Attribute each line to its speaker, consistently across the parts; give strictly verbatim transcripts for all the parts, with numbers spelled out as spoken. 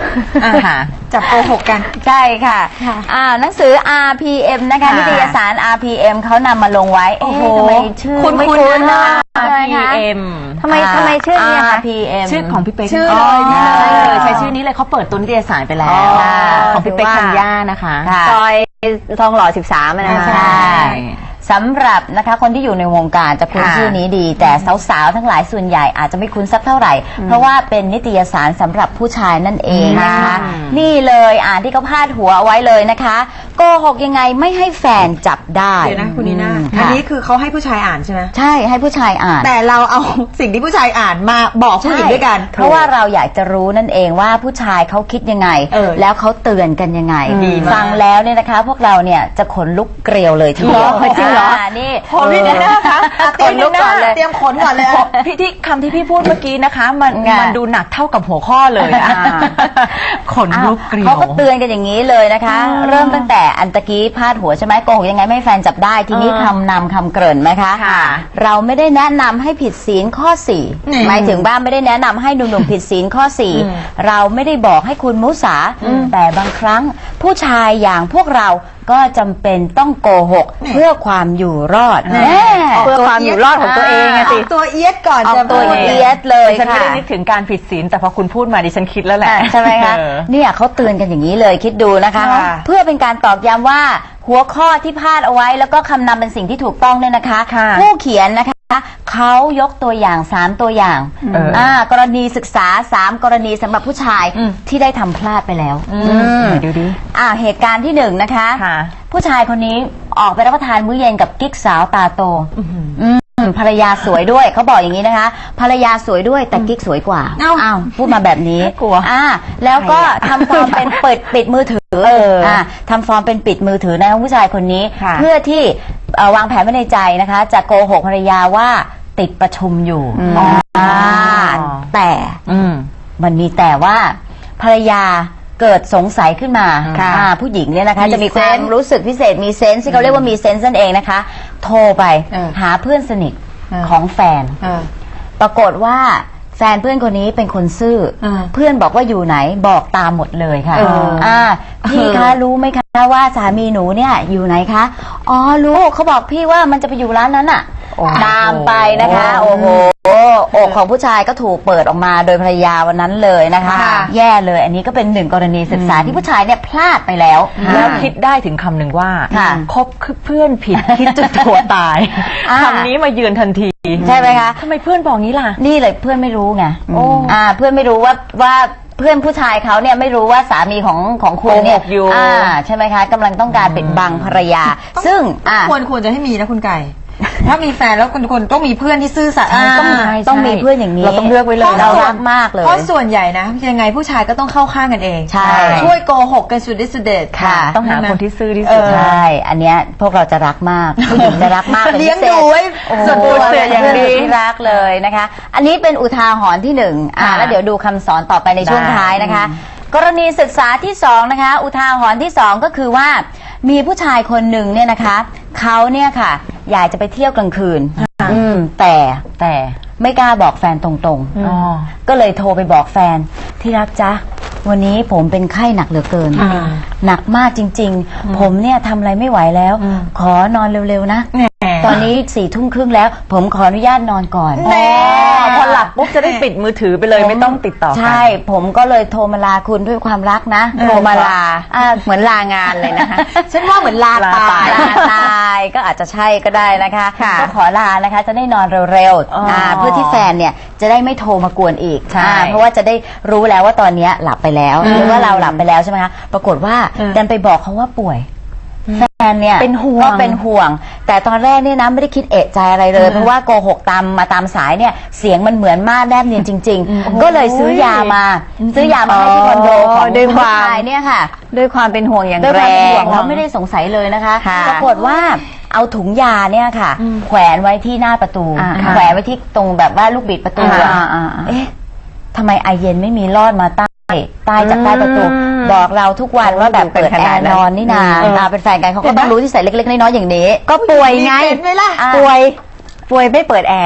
Speaker 1: จับโกหกกัน
Speaker 2: ใช่ค่ะอ่าหนังสือ อาร์ พี เอ็ม นะคะนิตยสาร อาร์ พี เอ็ม เขานำมาลงไว้เอ๊ะทำไมชื่อไม่คุ้นนะ
Speaker 3: อาร์ พี เอ็ม
Speaker 2: ทำไมทำไมชื่อนี้ อาร์ พี เอ็ม
Speaker 3: ชื่อของพี่เป๊ก
Speaker 1: ชื่อเลยนี่เลย
Speaker 3: ใช้ชื่อนี้เลยเขาเปิดตัวนิตยสารไปแล้วของพี่เป๊กธัญญานะคะ
Speaker 2: ซอยทองหล่อสิบสามนะคะใช่สำหรับนะคะคนที่อยู่ในวงการจะคุ้นชื่อนี้ดีแต่สาวๆทั้งหลายส่วนใหญ่อาจจะไม่คุ้นสักเท่าไหร่เพราะว่าเป็นนิตยสารสำหรับผู้ชายนั่นเองนะคะนี่เลยอ่านที่เขาพาดหัวเอาไว้เลยนะคะโกหกยังไงไม่ให้แฟนจับได้
Speaker 1: เดี๋ยวนะคุณนีน่าอันนี้คือเขาให้ผู้ชายอ่านใช่ไหม
Speaker 2: ใช่ให้ผู้ชายอ่าน
Speaker 1: แต่เราเอาสิ่งที่ผู้ชายอ่านมาบอกผู้หญิงด้วยกัน
Speaker 2: เพราะว่าเราอยากจะรู้นั่นเองว่าผู้ชายเขาคิดยังไงแล้วเขาเตือนกันยังไงฟังแล้วเนี่ยนะคะพวกเราเนี่ยจะขนลุกเกลียวเลยทีเดียวจริงเหรอนี่
Speaker 1: พอพี่นีน่าคะเตรียมลุกก่อนเลยเตรียมขนก่อนเลย
Speaker 3: พี่ที่คำที่พี่พูดเมื่อกี้นะคะมันมันดูหนักเท่ากับหัวข้อเลยขนลุกเกลียว
Speaker 2: เขาก็เตือนกันอย่างนี้เลยนะคะเริ่มตั้งแต่อันตะกี้พาดหัวใช่ไหมโกหกยังไงไม่แฟนจับได้ทีนี้คำนำคำเกริ่นไหมคะเราไม่ได้แนะนำให้ผิดศีลข้อสี่หมายถึงว่าไม่ได้แนะนำให้หนุ่มๆผิดศีลข้อสี่เราไม่ได้บอกให้คุณมุสาแต่บางครั้งผู้ชายอย่างพวกเราก็จำเป็นต้องโกหกเพื่อความอยู่รอด
Speaker 3: เพื่อความอยู่รอดของตัวเองสิ
Speaker 1: ตัวเอียดก่อน
Speaker 2: จะตัวเอียดเลย
Speaker 3: ฉันไม่ได้นึกถึงการผิดศีลแต่พอคุณพูดมาดิฉันคิดแล้วแหละ
Speaker 2: ใช่ไหมคะเนี่ยเขาเตือนกันอย่างนี้เลยคิดดูนะคะเพื่อเป็นการตอกย้ำว่าหัวข้อที่พาดเอาไว้แล้วก็คำนำเป็นสิ่งที่ถูกต้องเนี่ยนะคะผู้เขียนนะคะเขายกตัวอย่างสามตัวอย่างอ่ากรณีศึกษาสามกรณีสำหรับผู้ชายที่ได้ทำพลาดไปแล้ว
Speaker 3: ดูดิ
Speaker 2: อ่าเหตุการณ์ที่หนึ่งนะคะผู้ชายคนนี้ออกไปรับประทานมื้อเย็นกับกิ๊กสาวตาโตภรรยาสวยด้วยเขาบอกอย่างนี้นะคะภรรยาสวยด้วยแต่กิ๊กสวยกว่าอ้าวพูดมาแบบนี้
Speaker 3: กลัว
Speaker 2: อ่าแล้วก็ทำฟอร์มเป็นเปิดปิดมือถืออ่าทำฟอร์มเป็นปิดมือถือนะผู้ชายคนนี้เพื่อที่วางแผนไว้ในใจนะคะจะโกหกภรรยาว่าติดประชุมอยู่อ่าแต่มันมีแต่ว่าภรรยาเกิดสงสัยขึ้นมาผู้หญิงเนี่ยนะคะจะมีความรู้สึกพิเศษมีเซนส์ที่เขาเรียกว่ามีเซนส์นั่นเองนะคะโทรไปหาเพื่อนสนิทของแฟนปรากฏว่าแฟนเพื่อนคนนี้เป็นคนซื่อเพื่อนบอกว่าอยู่ไหนบอกตามหมดเลยค่ะอ่าพี่คะรู้ไหมคะว่าสามีหนูเนี่ยอยู่ไหนคะอ๋อรู้เขาบอกพี่ว่ามันจะไปอยู่ร้านนั้นอ่ะตามไปนะคะโอ้โหอกของผู้ชายก็ถูกเปิดออกมาโดยภรรยาวันนั้นเลยนะคะแย่เลยอันนี้ก็เป็นหนึ่งกรณีศึกษาที่ผู้ชายเนี่ยพลาดไปแล้ว
Speaker 3: แล้วคิดได้ถึงคำหนึ่งว่าคบเพื่อนผิดคิดจะตัวตายคำนี้มาเยือนทันที
Speaker 2: ใช่ไหมคะ
Speaker 3: ทำไมเพื่อนบอกนี้ล่ะ
Speaker 2: นี่เลยเพื่อนไม่รู้ไงอ่าเพื่อนไม่รู้ว่าว่าเพื่อนผู้ชายเขาเนี่ยไม่รู้ว่าสามีของของคุณเนี่ยอ่าใช่ไหมคะกำลังต้องการปิดบังภรรยาซึ่ง
Speaker 1: ควรควรจะให้มีนะคุณไก่ถ้ามีแฟนแล้วคนคนต้องมีเพื่อนที่ซื่อสัตย์
Speaker 2: ต้องต้องมีเพื่อนอย่างนี้
Speaker 3: เราต้องเลือกไว้เลย
Speaker 2: เรารักมากเลย
Speaker 1: เพราะส่วนใหญ่นะยังไงผู้ชายก็ต้องเข้าข้างกันเอง
Speaker 2: ใช่
Speaker 1: ช่วยโกหกกันสุดฤทธิ์สุดเดช
Speaker 2: ค่ะ
Speaker 3: ต้องหาคนที่ซื่อที่สุด
Speaker 2: ใช่อันเนี้ยพวกเราจะรักมากผู้หญิงจะรักมาก
Speaker 1: เลี้ยงดูไว้
Speaker 2: สุดตัวอย่างดีรักเลยนะคะอันนี้เป็นอุทาหรณ์ที่หนึ่งอ่าแล้วเดี๋ยวดูคำสอนต่อไปในช่วงท้ายนะคะกรณีศึกษาที่สองนะคะอุทาหรณ์ที่สองก็คือว่ามีผู้ชายคนหนึ่งเนี่ยนะคะเขาเนี่ยค่ะอยากจะไปเที่ยวกลางคืนอืมแต่แต่ไม่กล้าบอกแฟนตรงๆก็เลยโทรไปบอกแฟนที่รักจ๊ะวันนี้ผมเป็นไข้หนักเหลือเกินหนักมากจริงๆผมเนี่ยทำอะไรไม่ไหวแล้วขอนอนเร็วๆนะตอนนี้สี่ทุ่มครึ่งแล้วผมขออนุญาตนอนก่อน
Speaker 3: พอหลับปุ๊บจะได้ปิดมือถือไปเลยไม่ต้องติดต่อกัน
Speaker 2: ใช่ผมก็เลยโทรมาลาคุณด้วยความรักนะ
Speaker 3: โทรมาลา
Speaker 2: เหมือนลางานเลยนะคะ
Speaker 1: ฉันว่าเหมือนลาตาย
Speaker 2: ลาตายก็อาจจะใช่ก็ได้นะคะก็ขอลานะคะจะได้นอนเร็วๆเพื่อที่แฟนเนี่ยจะได้ไม่โทรมากวนอีกเพราะว่าจะได้รู้แล้วว่าตอนนี้หลับไปแล้วหรือว่าเราหลับไปแล้วใช่ไหมคะปรากฏว่าดันไปบอกเขาว่าป่วยแฟนเนี่ย
Speaker 3: เป็นห่วง
Speaker 2: ก็เป็นห่วงแต่ตอนแรกเนี่ยนะไม่ได้คิดเอะใจอะไรเลยเพราะว่าโกหกตามมาตามสายเนี่ยเสียงมันเหมือนมากแนบเนียนจริงๆก็เลยซื้อยามาซื้อยามาให้ที่คอนโดของ
Speaker 3: ด้วย
Speaker 2: ผู้ชายเนี่ยค่ะ
Speaker 3: ด้วยความเป็นห่วงอย่างแรง
Speaker 2: ด้วยความเป็นห่วงแล้วไม่ได้สงสัยเลยนะคะปรากฏว่าเอาถุงยาเนี่ยค่ะแขวนไว้ที่หน้าประตูแขวนไว้ที่ตรงแบบว่าลูกบิดประตูเอ๊ะทำไมไอเย็นไม่มีลอดมาใต้ใต้จากใต้ประตูบอกเราทุกวันว่าแบบเปิดแอร์นอนนี่นาเป็นแฟนกันเขาก็ต้องรู้ที่ใส่เล็กๆน้อยๆอย่างนี้
Speaker 3: ก็ป่วยไงป่วยป่วยไม่เปิดแอร์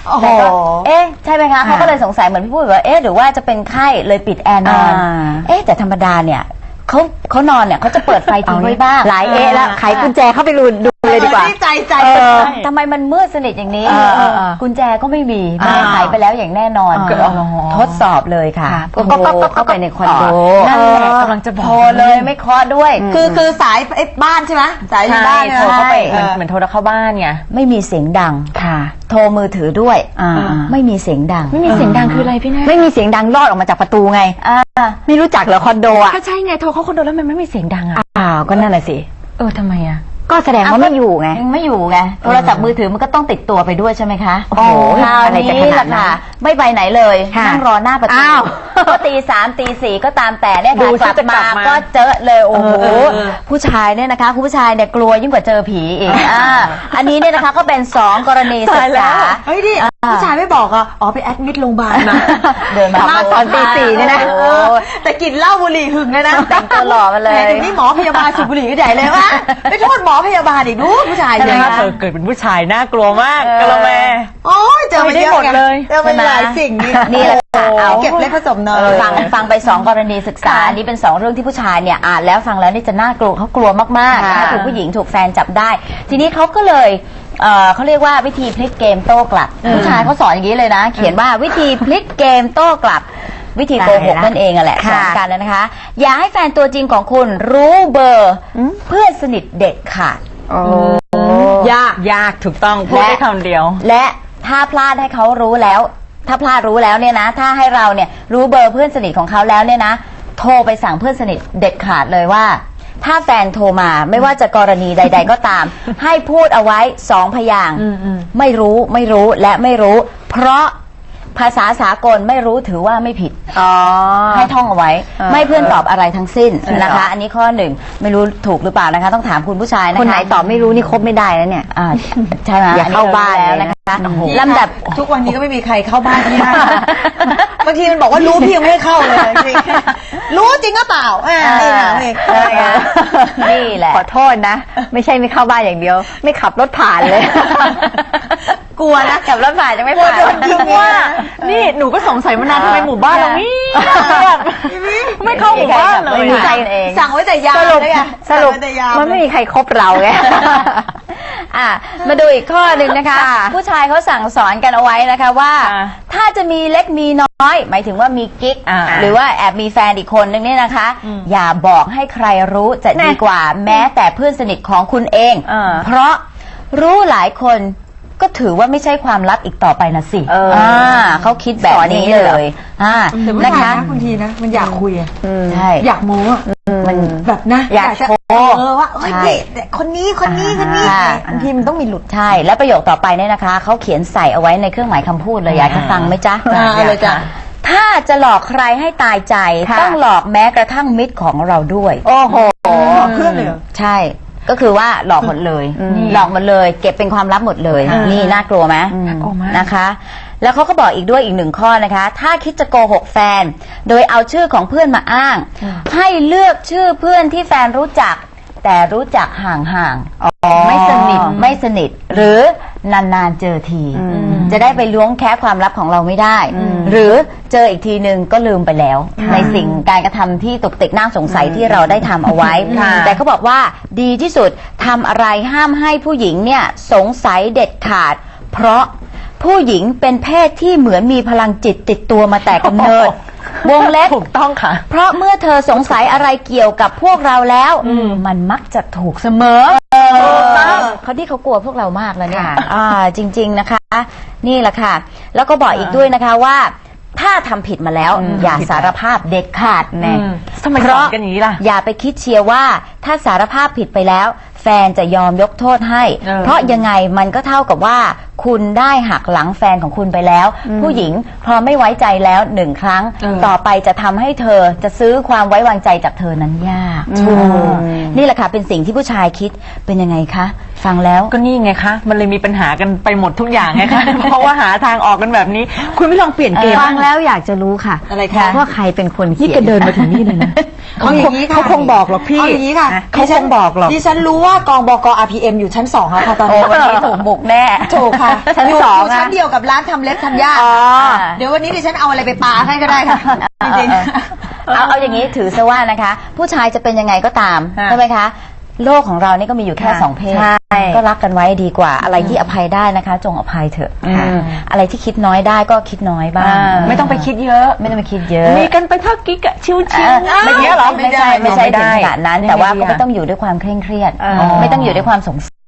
Speaker 1: โอ้โห
Speaker 2: แต่ก็เอ๊ะใช่ไหมคะเขาก็เลยสงสัยเหมือนพี่ปุ้ยว่าเอ๊ะหรือว่าจะเป็นไข้เลยปิดแอร์นอน
Speaker 4: อ่า
Speaker 2: เอ๊ะแต่ธรรมดาเนี่ยเขาเขานอนเนี่ยเขาจะเปิดไฟทิ้งไว้บ้าง
Speaker 4: หลายเอ๊ะแล้วไขกุญแจเข้าไปดูดูเลยดีกว่า
Speaker 1: ใจใจ
Speaker 2: เอ
Speaker 1: เป็น
Speaker 2: อ
Speaker 1: ใจ
Speaker 2: ทำไมมันมืดสนิทอย่างนี้
Speaker 3: เออเออเออ
Speaker 2: กุญแจก็ไม่มีแม่
Speaker 1: อ่า
Speaker 2: ไขไปแล้วอย่างแน่นอน
Speaker 3: อ๋อ
Speaker 2: ทดสอบเลยค่ะ
Speaker 4: ค่ะ
Speaker 2: ก็ก็ก็เข้าไปในคอนโด
Speaker 3: นั่นแหละ
Speaker 2: เออก
Speaker 3: ำลังจะบอก
Speaker 2: โทรเลยไม่เคาะด้วย
Speaker 1: คือคือสายไอ้บ้านใช่ไหมสาย
Speaker 3: ใช่
Speaker 1: บ้าน
Speaker 3: โทรเข้าไป
Speaker 1: ใช่
Speaker 3: เหมือนเหมือนโทรเข้าบ้านไง
Speaker 2: ไม่มีเสียงดัง
Speaker 4: ค่ะ
Speaker 2: โทรมือถือด้วย
Speaker 4: อ่า
Speaker 2: ไม่มีเสียงดัง
Speaker 3: ไม่มีเสียงดังคืออะไรพี่แน่
Speaker 4: ไม่มีเสียงดังรอดออกมาจากประตูไง
Speaker 2: อ่า
Speaker 4: ไม่รู้จักเหรอคอนโดอ่ะ
Speaker 3: ก็ใช่ไงโทรเข้าคอนโดแล้วมันไม่มีเสียงดังอ่ะ
Speaker 4: อ้าวก็นั่นแหละสิ
Speaker 3: เออทำไมอ่ะ
Speaker 4: ก็แสดงว่าไม่อยู่ไง
Speaker 2: ยังไม่อยู่ไงโทรศัพท์มือถือมันก็ต้องติดตัวไปด้วยใช่ไหมคะ
Speaker 4: โอ้โห
Speaker 2: คราว
Speaker 4: อะไรจะข
Speaker 2: นี้
Speaker 4: นา
Speaker 2: ล่ะ
Speaker 4: ดนั้น
Speaker 2: ค่ะ ไม่ไปไหนเลย
Speaker 4: ค่ะ
Speaker 2: นั่งรอหน้าประตู
Speaker 4: อ้าว
Speaker 2: ก็ตีสามตีสี่ก็ตามแต่เนี่ย
Speaker 3: ดู
Speaker 2: ค่ะ
Speaker 3: สิ
Speaker 2: กลับ
Speaker 3: จะกลั
Speaker 2: มา
Speaker 3: บมา
Speaker 2: ก็เจอเลยโอ้โห
Speaker 3: เออเออ
Speaker 2: ผู้ชายเนี่ยนะคะคุณผู้ชายเนี่ยกลัวยิ่งกว่าเจอผีอีกอ่าอันนี้เนี่ยนะคะก็เป็นสองกรณีศึกษา
Speaker 1: เฮ้ยดิผู้ชายไม่บอกอ่ะอ๋อไปแอดมิดโรงพยาบาลมา
Speaker 2: เดินมา
Speaker 1: ตอนตีสี่เนี่ยนะ
Speaker 2: โอ้โห
Speaker 1: แต่กลินเหล้าบุหรี่หึงเลยนะ
Speaker 2: แต่งตัวหล่อมาเลย
Speaker 1: แหถึงนี่หมอพยาบาลสูบบุหรี่ก็ใหญ่เลยวะไม่โทษหมอพยาบาลอีกดูผู้ชาย
Speaker 3: ใช่ไหม
Speaker 1: เนี่ย
Speaker 3: คะเธอเกิดเป็นผู้ชายน่ากลัวมาก
Speaker 2: เออ
Speaker 3: กะละแม
Speaker 1: โอ้ยเจอมาเยอะ
Speaker 3: ไม่ได้หมดเลย
Speaker 1: เจอมาหลายสิ่งนี่
Speaker 2: นี่แหละค่ะเอา
Speaker 1: เก็บเล็กผสมน้อย
Speaker 2: ฟังฟังไปสองกรณีศึกษาอันนี้เป็นสองเรื่องที่ผู้ชายเนี่ยอ่านแล้วฟังแล้วนี่จะน่ากลัวเขากลัวมากๆ
Speaker 4: ค่ะ
Speaker 2: นะคะถูกผู้หญิงถูกแฟนจับได้ ทีนี้เขาก็เลยเอ่อเขาเรียกว่าวิธีพลิกเกมโต้กลับ ผู้ชายเขาสอนอย่างนี้เลยนะ เขียนว่าวิธีพลิกเกมโต้กลับ วิธีโกหกนั่นเองอะแหละส
Speaker 4: ค่ะ
Speaker 2: อนกันนะคะ อย่าให้แฟนตัวจริงของคุณรู้เบอร์เพื่อนสนิทเด็ดขาด
Speaker 4: โอ้
Speaker 3: ยากยากถูกต้องพูดได้คำเดียว
Speaker 2: และถ้าพลาดให้เขารู้แล้ว ถ้าพลาดรู้แล้วเนี่ยนะ ถ้าให้เราเนี่ยรู้เบอร์เพื่อนสนิทของเขาแล้วเนี่ยนะ โทรไปสั่งเพื่อนสนิทเด็ดขาดเลยว่า ถ้าแฟนโทรมาไม่ว่าจะกรณีใด ๆ ก็ตาม ให้พูดเอาไว้สองพยางค์ไม่รู้ไม่รู้และไม่รู้ เพราะภาษาสากลไม่รู้ถือว่าไม่ผิด
Speaker 4: อ๋อ
Speaker 2: ให้ท่องเอาไว้
Speaker 4: เออ
Speaker 2: ไม่เพื่อนตอบอะไรทั้งสิ้นนะคะ
Speaker 4: เหรอ
Speaker 2: อันนี้ข้อหนึ่งไม่รู้ถูกหรือเปล่านะคะ ต้องถามคุณผู้ชายนะคะ
Speaker 4: คนไหนตอบไม่รู้นี่คบไม่ได้แล้วเนี่ย
Speaker 2: อ่าใช่ไหม
Speaker 4: อย่าเข้าบ้าน
Speaker 2: อั
Speaker 4: เลย
Speaker 2: ร
Speaker 4: นะ
Speaker 2: รู้แล้วนะคะ
Speaker 4: โอ้โห
Speaker 2: ลำดับ
Speaker 1: ทุกวันนี้ก็ไม่มีใครเข้าบ้านที่ได้บางทีมันบอกว่ารู้พี่ยังไม่ให้เข้าเลยจริงๆรู้จริงก็เปล่าอ่าเองอ่ะเอง
Speaker 2: เออนี่แหละ
Speaker 4: ขอโทษนะ ไม่ใช่ไม่เข้าบ้านอย่างเดียว ไม่ขับรถผ่านเลย
Speaker 1: กลัวนะ
Speaker 2: กับรถผ่านจะไม่
Speaker 1: กลัว
Speaker 2: ผ่าน
Speaker 1: โดนยิง
Speaker 3: ว่า นี่หนูก็สงสัยมานานทำไมหมู่บ้านเรานี่แบบไม่เข้าหมู่บ้านเลย
Speaker 2: ไม่มีใคร
Speaker 3: อะ
Speaker 2: เอง
Speaker 1: สั่งไว้แต่ยา
Speaker 4: สรุป
Speaker 1: เลยอะ
Speaker 4: สรุป
Speaker 1: งไว้แต่ยา
Speaker 4: มันไม่มีใครคบเราไง
Speaker 2: อ่ะมาดูอีกข้อหนึ่งนะคะ
Speaker 4: ค่ะ
Speaker 2: ผู้ชายเขาสั่งสอนกันเอาไว้นะคะว่า
Speaker 3: อ่า
Speaker 2: ถ้าจะมีเล็กมีน้อย หมายถึงว่ามีกิ๊ก
Speaker 3: อ่า
Speaker 2: หรือว่าแอบมีแฟนอีกคนนึงเนี่ยนะคะ อย่าบอกให้ใครรู้จะดีกว่า แม้แต่เพื่อนสนิทของคุณเอง
Speaker 4: เออ
Speaker 2: เพราะรู้หลายคนก็ถือว่าไม่ใช่ความลับอีกต่อไปนะสิ
Speaker 4: เอออ่
Speaker 2: าเขาคิดแบบ
Speaker 4: สอนอย่าง
Speaker 2: นี้
Speaker 4: นี้เลยเหร
Speaker 2: เล
Speaker 4: อ
Speaker 2: ยอ่า
Speaker 1: แต่ผู้
Speaker 2: นะ
Speaker 1: ชาย
Speaker 2: คะ
Speaker 1: นะบางทีนะมันอยากคุยอะ
Speaker 2: ใช่
Speaker 1: อยากโม้อะ
Speaker 2: มัน
Speaker 1: แบบนะ
Speaker 2: อยาก
Speaker 1: จะ
Speaker 2: โชว์
Speaker 1: เออว่าเอ้ย
Speaker 2: ใช่
Speaker 1: นี่แต่คนนี้คนนี้คนนี้
Speaker 2: อ่า
Speaker 1: บางทีมันต้องมีหลุด
Speaker 2: ใช่ และประโยคต่อไปเนี่ยนะคะเขาเขียนใส่เอาไว้ในเครื่องหมายคำพูดเลยอยากจะฟังไหมจ๊ะ
Speaker 1: อ่า
Speaker 2: อยาก
Speaker 1: เลยจ้ะ
Speaker 2: ถ้าจะหลอกใครให้ตายใจ
Speaker 4: ค่ะ
Speaker 2: ต้องหลอกแม้กระทั่งมิตรของเราด้วย
Speaker 4: โอ้โห
Speaker 1: เพื่อนเลยเหรอ
Speaker 2: ใช่ ก็คือว่าหลอกหมดเลย
Speaker 4: อืม
Speaker 2: หลอกหมดเลย เก็บเป็นความลับหมดเลย
Speaker 4: อ่านี่
Speaker 2: นี่น่ากลัวไหม
Speaker 3: น่ากลัวมาก
Speaker 2: นะคะ แล้วเขาก็บอกอีกด้วยอีกหนึ่งข้อนะคะ ถ้าคิดจะโกหกแฟน โดยเอาชื่อของเพื่อนมาอ้าง ให้เลือกชื่อเพื่อนที่แฟนรู้จัก แต่รู้จักห่างๆไม่สนิทไม่สนิท หรือนานๆเจอที จะได้ไปล้วงแค่ความลับของเราไม่ได้ หรือเจออีกทีนึงก็ลืมไปแล้ว ในสิ่งการกระทำที่ตกติกน่าสงสัยที่เราได้ทำเอาไว้ แต่เขาบอกว่าดีที่สุดทำอะไรห้ามให้ผู้หญิงเนี่ยสงสัยเด็ดขาด เพราะผู้หญิงเป็นเพศที่เหมือนมีพลังจิตติดตัวมาแต่กำเนิด วงเล็บ
Speaker 3: ถูกต้องค่ะ
Speaker 2: เพราะเมื่อเธอสงสัยอะไรเกี่ยวกับพวกเราแล้ว มันมักจะถูกเสมอเขาที่เขากลัวพวกเรามากแล้วเนี่ย
Speaker 4: ค่ะ
Speaker 2: อ่าจริง ๆนะคะ นี่แหละค่ะ แล้วก็บอกอีกด้วยนะคะว่า ถ้าทำผิดมาแล้ว อย่าสารภาพเด็ดขาดแน่
Speaker 3: อืมทำไม
Speaker 2: เพ
Speaker 3: สอ
Speaker 2: ราะ
Speaker 3: นกันอย่างนี้ล่ะ
Speaker 2: อย่าไปคิดเชียร์ว่าถ้าสารภาพผิดไปแล้ว แฟนจะยอมยกโทษให้
Speaker 3: เออ
Speaker 2: เพราะยังไงมันก็เท่ากับว่า คุณได้หักหลังแฟนของคุณไปแล้ว ผู้หญิงพอไม่ไว้ใจแล้วหนึ่งครั้ง
Speaker 3: เออ
Speaker 2: ต่อไปจะทำให้เธอจะซื้อความไว้วางใจจากเธอนั้นยาก
Speaker 4: ถูก
Speaker 2: นี่แหละค่ะเป็นสิ่งที่ผู้ชายคิดเป็นยังไงคะฟังแล้ว
Speaker 3: ก็นี่ไงคะ มันเลยมีปัญหากันไปหมดทุกอย่างไงคะ เพราะว่าหาทางออกกันแบบนี้ คุณไม่ลองเปลี่ยนเกม
Speaker 4: ฟังแล้วอยากจะรู้ค่ะ
Speaker 1: อะไรคะ
Speaker 4: ว่าใครเป็นคนเขี
Speaker 3: นี่
Speaker 4: ยน
Speaker 3: แกเดินมาถึงนี่เลยนะ
Speaker 1: เอาอย่างนี้ค่ะ
Speaker 3: เขาคงบอกหรอกพี่
Speaker 1: เอาอย่างนี้ค่ะ
Speaker 3: เขาคงบอกหรอก
Speaker 1: ดิฉันรู้ว่ากองบก อาร์ พี เอ็ม อยู่ชั้นสองแล้วค่ะตอน
Speaker 2: โอ้
Speaker 1: นี้
Speaker 2: วันนี้ถูกบุกแน่
Speaker 1: ถูกค่ะ
Speaker 4: ชั้น
Speaker 1: อยู่
Speaker 4: สอง
Speaker 1: อยู่ชั้น
Speaker 4: อะ
Speaker 1: เดียวกับร้านทำเล็บทำย่า
Speaker 4: อ๋อ
Speaker 1: เดี๋ยววันนี้ดิฉันเอาอะไรไปปาให้ก็ได้ค่ะจริง
Speaker 2: เอาเอาอย่างนี้ถือซะว่านะคะ ผู้ชายจะเป็นยังไงก็ตาม
Speaker 1: ค่ะ
Speaker 2: ใช่ไหมคะ โลกของเรานี่ก็มีอยู่แค่
Speaker 4: ค่ะ
Speaker 2: สองเพศ
Speaker 4: ใช่
Speaker 2: ก็รักกันไว้ดีกว่า อะไรที่อภัยได้นะคะ จงอภัยเถอะ
Speaker 3: ค่ะ
Speaker 2: อืมอะไรที่คิดน้อยได้ก็คิดน้อยบ้าง
Speaker 4: อ่า
Speaker 3: ไม่ต้องไปคิดเยอะ
Speaker 2: ไม่ต้องไปคิดเยอะ
Speaker 3: มีกันไปเท่ากิ๊กอะชิว
Speaker 2: เออ
Speaker 3: ๆไม่เงี้ยเหรอ
Speaker 2: ไม่ใช่ไม่ใช่
Speaker 3: ไม่
Speaker 2: ถึ
Speaker 3: ได้
Speaker 2: งขนาดนั้น
Speaker 3: ยังไง
Speaker 2: แต่ว่า
Speaker 3: ดี
Speaker 2: ก็
Speaker 3: อะ
Speaker 2: ไม่ต้องอยู่ด้วยความเคร่งเครียด
Speaker 4: อ๋อ
Speaker 2: ไม่ต้องอยู่ด้วยความสง